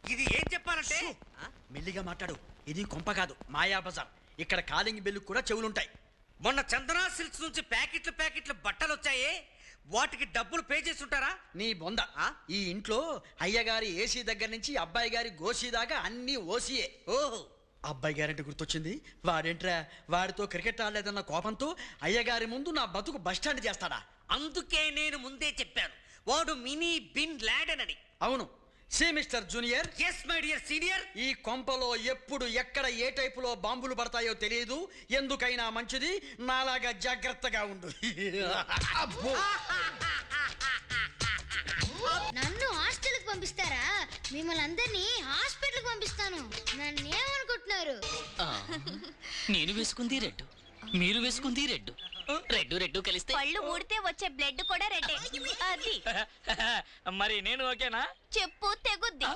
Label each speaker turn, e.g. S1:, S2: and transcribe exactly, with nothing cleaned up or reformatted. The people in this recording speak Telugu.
S1: ఇది ఏం చెప్పాలంటే
S2: మెల్లిగా మాట్లాడు. ఇది కొంప కాదు, మాయా బజార్. ఇక్కడ కాలింగ్ బెల్లు కూడా చెవులుంటాయి.
S1: మొన్న చందనా సిల్క్స్ నుంచి ప్యాకెట్లు ప్యాకెట్లు బట్టలు వచ్చాయి, వాటికి డబ్బులు పే చేసి ఉంటారా?
S2: నీ బొంద. ఈ ఇంట్లో అయ్యగారి ఏసీ దగ్గర నుంచి అబ్బాయి గారి గోసీ దాకా అన్ని ఓసీయే.
S1: ఓహో,
S2: అబ్బాయి గారంటే గుర్తొచ్చింది. వాడేంట్రా, వాడితో క్రికెట్ ఆడలేదన్న కోపంతో అయ్యగారి ముందు నా బతుకు బస్టాండ్ చేస్తాడా?
S1: అందుకే నేను ముందే చెప్పాను, వాడు మినీ బిన్ లాడెన్ అని.
S2: అవును. See mister junior.
S1: Yes my dear senior.
S2: ఈ కొంపలో ఎప్పుడు ఎక్కడ ఏ టైపులో బాంబులు పడతాయో తెలియదు. ఎందుకైనా మంచిది నాలాగా జాగ్రత్తగా ఉండు. అబ్బో.
S3: నన్ను హాస్టల్కి పంపిస్తారా? మిమ్మల్ని అందరినీ హాస్పిటల్కి పంపిస్తాను. నన్ను ఏమనుకుంటున్నారు?
S4: నేను వేసుకుంది రెడ్, మీరు వేసుకుంది రెడ్. రెడ్ రెడ్ కలిస్తే
S5: పళ్ళు ఊడితే వచ్చే బ్లడ్ కూడా రెడ్డే. అది
S4: మరి నేను ఓకేనా?
S5: చెప్పు తెగుద్ది.